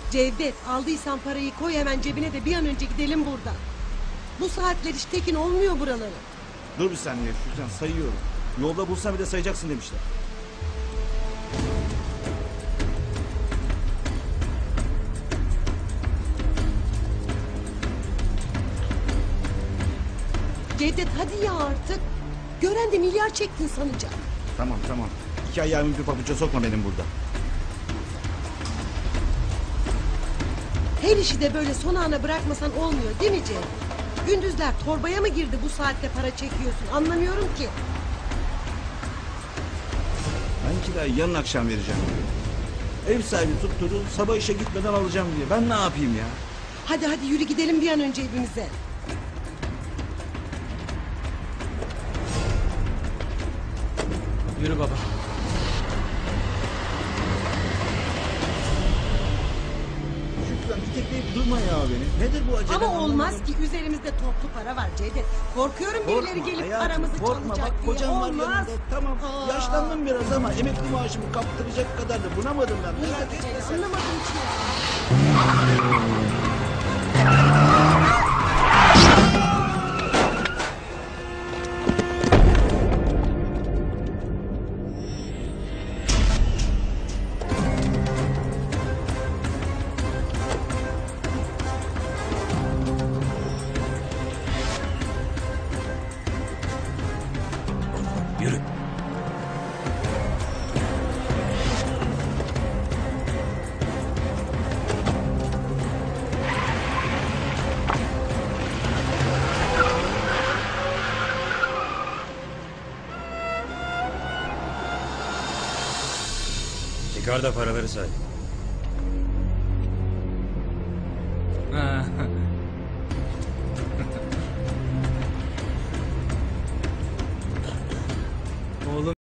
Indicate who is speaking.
Speaker 1: Cevdet, aldıysan parayı koy hemen cebine de bir an önce gidelim buradan. Bu saatler hiç tekin olmuyor buraları.
Speaker 2: Dur bir saniye Şükran, sayıyorum. Yolda bulsam bir de sayacaksın demişler.
Speaker 1: Cevdet hadi ya artık. Gören de milyar çektin sanacak.
Speaker 2: Tamam. 2 ayağımı bir pabuca sokma benim burada.
Speaker 1: Her işi de böyle son ana bırakmasan olmuyor değil mi Cevdet? Gündüzler torbaya mı girdi bu saatte para çekiyorsun, anlamıyorum ki.
Speaker 2: Ben kirayı yarın akşam vereceğim. Ev sahibi tutturdu, sabah işe gitmeden alacağım diye. Ben ne yapayım ya?
Speaker 1: Hadi yürü gidelim bir an önce evimize.
Speaker 3: Yürü baba.
Speaker 2: Şükran bir tekleyip durma ya beni. Nedir bu acele?
Speaker 1: Ama olmaz ki, üzerimizde toplu para var Cevdet. Korkuyorum birileri gelip paramızı
Speaker 2: korkma.
Speaker 1: çalacak
Speaker 2: Bak
Speaker 1: diye.
Speaker 2: kocam var
Speaker 1: Olmaz.
Speaker 2: yanında. Tamam
Speaker 1: Aa.
Speaker 2: yaşlandım biraz ama emekli maaşımı kaptıracak kadar da bunamadım ben.
Speaker 1: İyi
Speaker 2: Merak
Speaker 1: de
Speaker 2: etme
Speaker 1: Cevdet,
Speaker 2: sen.
Speaker 1: anlamadım ki ya.
Speaker 3: Yürü. Çıkar da paraları say.